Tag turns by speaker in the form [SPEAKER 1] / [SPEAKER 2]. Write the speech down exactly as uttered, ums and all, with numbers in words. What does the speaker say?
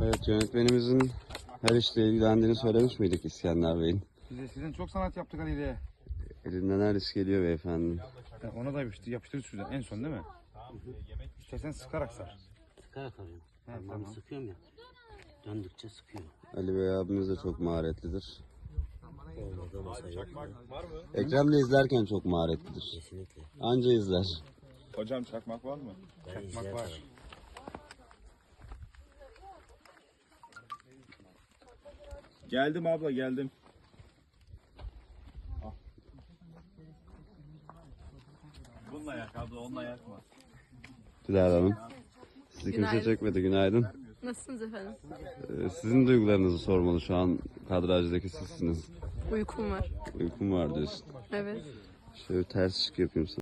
[SPEAKER 1] Evet, yönetmenimizin her işle ilgilendiğini söylemiş miydik İskender Bey'in?
[SPEAKER 2] Biz eskiden çok sanat yaptık Ali ile.
[SPEAKER 1] Elinden her iş geliyor beyefendi.
[SPEAKER 2] Ya ona da yapıştır, yapıştırır şuradan en son değil mi? İstersen sıkarak sar.
[SPEAKER 3] Sıkarak arıyorum.
[SPEAKER 2] He,
[SPEAKER 3] Parmağımı
[SPEAKER 2] tamam.
[SPEAKER 3] sıkıyorum ya. Döndükçe sıkıyor.
[SPEAKER 1] Ali Bey abimiz de çok maharetlidir.
[SPEAKER 3] Olmadı masaya yok.
[SPEAKER 1] Ekrem de izlerken çok maharetlidir.
[SPEAKER 3] Kesinlikle.
[SPEAKER 1] Anca izler.
[SPEAKER 4] Hocam çakmak var mı?
[SPEAKER 3] Ben
[SPEAKER 2] Çakmak
[SPEAKER 3] izler
[SPEAKER 2] var.
[SPEAKER 3] tarafım.
[SPEAKER 4] Geldim abla geldim. Bununla yak abla, onunla yakma.
[SPEAKER 1] Dilara Hanım. Sizi kimse
[SPEAKER 5] Günaydın.
[SPEAKER 1] çekmedi. Günaydın.
[SPEAKER 5] Nasılsınız efendim?
[SPEAKER 1] Ee, sizin duygularınızı sormalı. Şu an kadrajdaki sizsiniz.
[SPEAKER 5] Uykum var.
[SPEAKER 1] Uykum var diyorsun.
[SPEAKER 5] Evet.
[SPEAKER 1] Şöyle bir ters ışık yapayım sana.